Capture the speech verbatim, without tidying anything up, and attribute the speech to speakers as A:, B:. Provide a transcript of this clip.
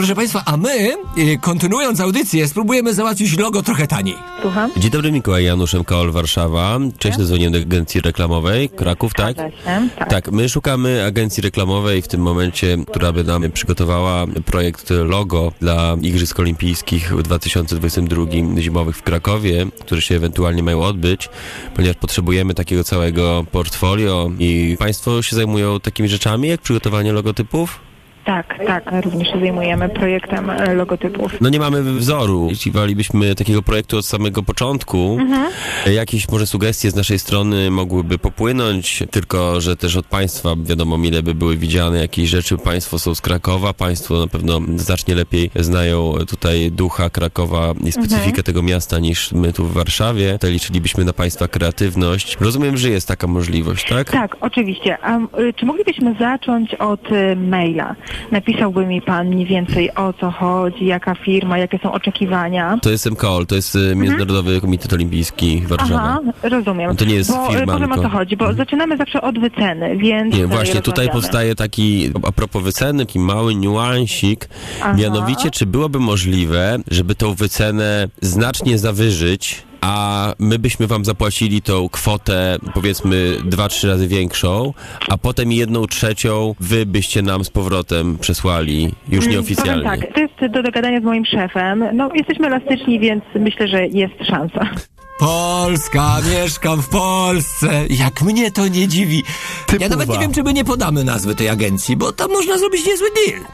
A: proszę państwa, a my, y, kontynuując audycję, spróbujemy załatwić logo trochę taniej.
B: Słucham?
C: Dzień dobry, Mikołaj Janusz, M K O L Warszawa. Cześć, dzwonię do agencji reklamowej Kraków, tak?
B: Zgadza się, tak.
C: Tak, my szukamy agencji reklamowej w tym momencie, która by nam przygotowała projekt logo dla Igrzysk Olimpijskich w dwa tysiące dwudziestym drugim zimowych w Krakowie, które się ewentualnie mają odbyć, ponieważ potrzebujemy takiego całego portfolio i państwo się zajmują takimi rzeczami jak przygotowanie logotypów?
B: Tak, tak, również się zajmujemy projektem e, logotypów.
C: No nie mamy wzoru. Jeśli walibyśmy takiego projektu od samego początku, mhm. jakieś może sugestie z naszej strony mogłyby popłynąć, tylko że też od państwa wiadomo, mile by były widziane jakieś rzeczy. Państwo są z Krakowa, państwo na pewno znacznie lepiej znają tutaj ducha Krakowa i specyfikę mhm. tego miasta niż my tu w Warszawie. Tutaj liczylibyśmy na państwa kreatywność. Rozumiem, że jest taka możliwość, tak?
B: Tak, oczywiście. A y, czy moglibyśmy zacząć od y, maila? Napisałby mi pan mniej więcej o co chodzi, jaka firma, jakie są oczekiwania.
C: To jest M K O L, to jest mhm. Międzynarodowy Komitet Olimpijski Warszawa.
B: Aha, rozumiem.
C: No to nie jest
B: bo,
C: firma,
B: powiem
C: tylko...
B: o co chodzi, bo mhm. zaczynamy zawsze od wyceny, więc...
C: Nie, właśnie tutaj powstaje taki, a propos wyceny, taki mały niuansik,
B: Aha.
C: mianowicie, czy byłoby możliwe, żeby tą wycenę znacznie zawyżyć, a my byśmy wam zapłacili tą kwotę, powiedzmy, dwa, trzy razy większą, a potem jedną trzecią wy byście nam z powrotem przesłali, już nieoficjalnie.
B: Powiem tak, to jest do dogadania z moim szefem. No, jesteśmy elastyczni, więc myślę, że jest szansa.
A: Polska, mieszkam w Polsce. Jak mnie to nie dziwi.
C: Typowa.
A: Ja nawet nie wiem, czy my nie podamy nazwy tej agencji, bo tam można zrobić niezły deal.